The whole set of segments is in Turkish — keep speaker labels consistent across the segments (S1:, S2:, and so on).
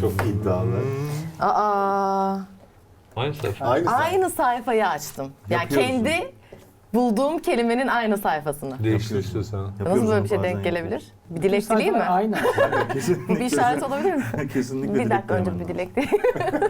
S1: Çok iddialı.
S2: Aa,
S3: Aynı sayfa.
S2: aynı sayfayı açtım. Yani
S1: Yapıyoruz
S2: kendi bulduğum kelimenin aynı sayfasını.
S3: Değiştir istiyorsan.
S2: Nasıl böyle bir şey denk gelebilir? Bir dilek dileyim mi?
S4: Aynı.
S2: Bu bir işaret olabilir mi?
S1: Kesinlikle
S2: Bir dakika önce bir dilek dileyim.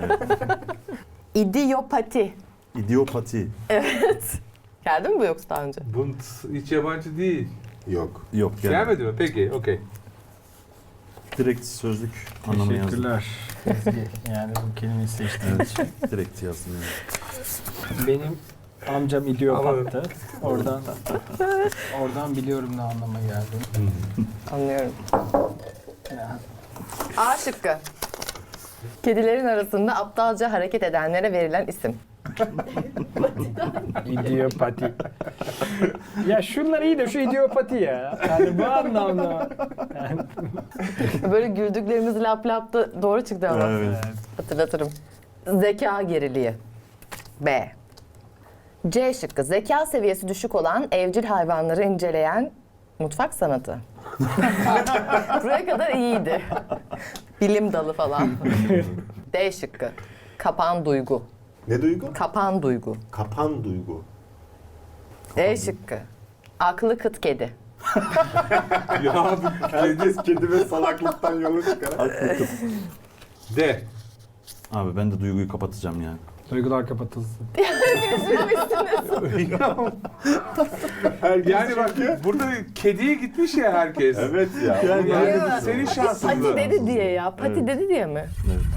S2: İdiopati.
S1: İdiopati.
S2: Evet. Geldi mi bu yoksa daha önce?
S3: Bu hiç yabancı değil.
S1: Yok. Yok yani.
S3: Gelmedi mi? Peki, okey.
S1: Direkt sözlük anlamı yazdım.
S4: Teşekkürler. Ezgi. Yani bu kelimeyi seçtiğin için.
S1: Direkt yazdım yani.
S4: Benim amcam idiopattı. Oradan biliyorum ne anlama geldiğini.
S2: Anlıyorum.
S4: Ya,
S2: A şıkkı. Kedilerin arasında aptalca hareket edenlere verilen isim.
S4: idiopati. Ya şunlar iyi de şu idiopati ya. Yani bu anlamda. Yani,
S2: Böyle güldüklerimiz lap lap da doğru çıktı ama.
S1: Evet.
S2: Hatırlatırım. Zeka geriliği. B. C şıkkı. Zeka seviyesi düşük olan evcil hayvanları inceleyen mutfak sanatı. Buraya kadar iyiydi. Bilim dalı falan. D şıkkı. Kapan duygu.
S1: Ne duygu?
S2: Kapan duygu.
S1: Kapan duygu.
S2: D şıkkı. Aklı kıt kedi.
S3: Ya
S1: Herkes kedi ve salaklıktan yola çıkar.
S3: de.
S1: Abi ben de duyguyu kapatacağım ya.
S4: duygular kapatılsın.
S3: Yani bak burada kediye gitmiş ya herkes.
S1: Evet ya.
S3: Yani
S2: Değil mi?
S3: senin
S2: Pati
S3: şansındı.
S2: dedi diye ya. Pati
S1: Evet.
S2: dedi diye mi?
S1: Evet.